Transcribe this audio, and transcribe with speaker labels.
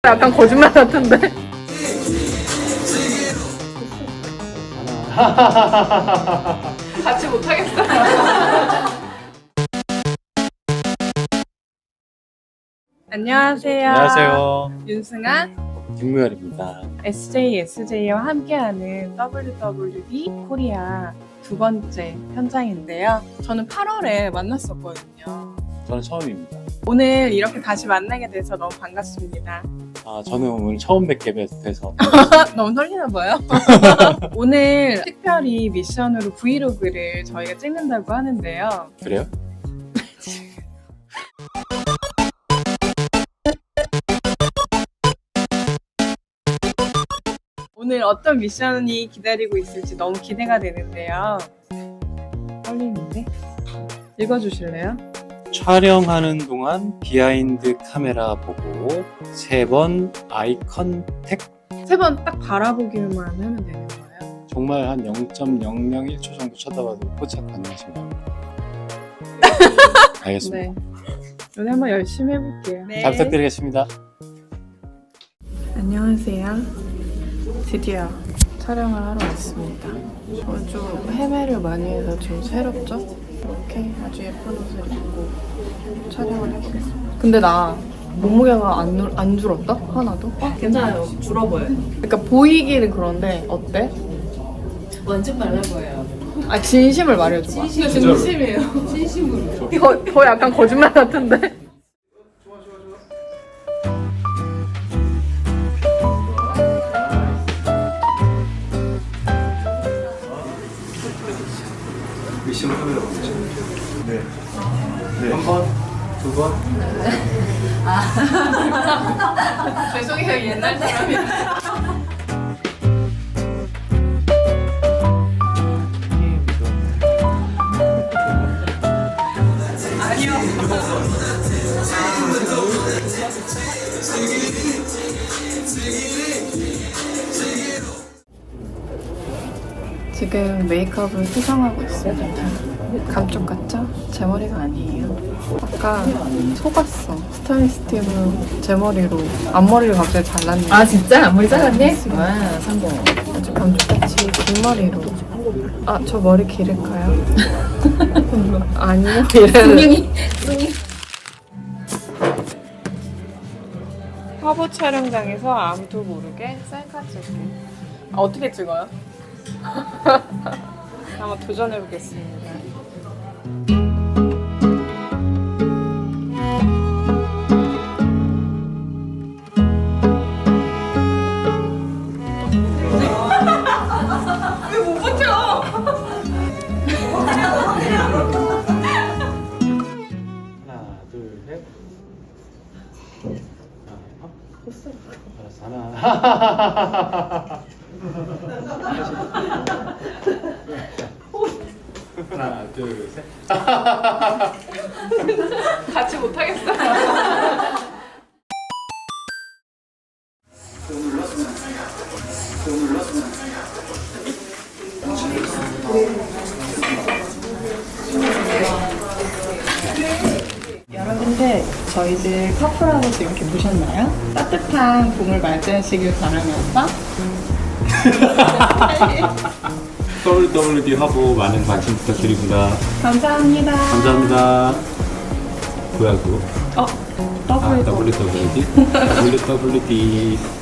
Speaker 1: 약간 거짓말 같은데? 같이 못하겠어. 안녕하세요.
Speaker 2: 안녕하세요.
Speaker 1: 윤승아,
Speaker 2: 김무열입니다.
Speaker 1: SJ와 함께하는 WWD 코리아 두 번째 현장인데요. 저는 8월에 만났었거든요.
Speaker 2: 저는 처음입니다.
Speaker 1: 오늘 이렇게 다시 만나게 돼서 너무 반갑습니다.
Speaker 2: 저는 오늘 처음 뵙게 돼서
Speaker 1: 너무 설레나 봐요. 오늘 특별히 미션으로 브이로그를 저희가 찍는다고 하는데요.
Speaker 2: 그래요?
Speaker 1: 오늘 어떤 미션이 기다리고 있을지 너무 기대가 되는데요. 떨리는데? 읽어주실래요?
Speaker 2: 촬영하는 동안 비하인드 카메라 보고 3번 아이 컨택.
Speaker 1: 3번 딱 바라보기만 하면 되는 거예요?
Speaker 2: 정말 한 0.001초 정도 쳐다봐도 포착 가능하신가요? 알겠습니다.
Speaker 1: 네. 오늘 한번 열심히 해볼게요. 네.
Speaker 2: 잘 부탁드리겠습니다.
Speaker 1: 안녕하세요. 드디어 촬영을 하러 왔습니다. 좀 헤매를 많이 해서 좀 새롭죠? 이렇게 아주 예쁜 옷을 입고 촬영을 해보겠습니다. 근데 나 몸무게가 안 줄었다? 하나도?
Speaker 3: 괜찮아요. 줄어 보여요.
Speaker 1: 그러니까 보이기는 그런데 어때?
Speaker 3: 완전 말라 보여요.
Speaker 1: 아 진심을 말해줘봐.
Speaker 3: 진심이에요. 진심으로.
Speaker 1: 더 약간 거짓말 같은데?
Speaker 2: 미션 카메라 보죠. 네. 한 번, 2번.
Speaker 1: 죄송해요, 옛날 사람이라. 아니요. 지금 메이크업을 수정하고 있습니다. 감쪽 같죠? 제 머리가 아니에요. 아까 속았어. 스타일리스트로 제 머리로 앞머리를 갑자기 잘랐네.
Speaker 3: 아 진짜? 앞머리 잘랐네? 와 성공.
Speaker 1: 아주 감쪽같이 긴 머리로. 아, 저 머리 기를까요? 아니요.
Speaker 3: 승윤이.
Speaker 1: 화보 촬영장에서 아무도 모르게 셀카 찍기. 어떻게 찍어요? 한번 도전해보겠습니다. 왜 못 버텨?
Speaker 2: 하나, 둘, 셋. 알았어. 하나. 하나, 둘, 셋.
Speaker 1: 같이 못하겠어.
Speaker 3: 여러분들 저희들 커플하우스 이렇게 보셨나요? 따뜻한 봄을 맞이하시길 바라면서
Speaker 2: WWD 화보 많은 관심 부탁드립니다.
Speaker 3: 감사합니다.
Speaker 2: 감사합니다. 뭐야 그거? WWD? WWD.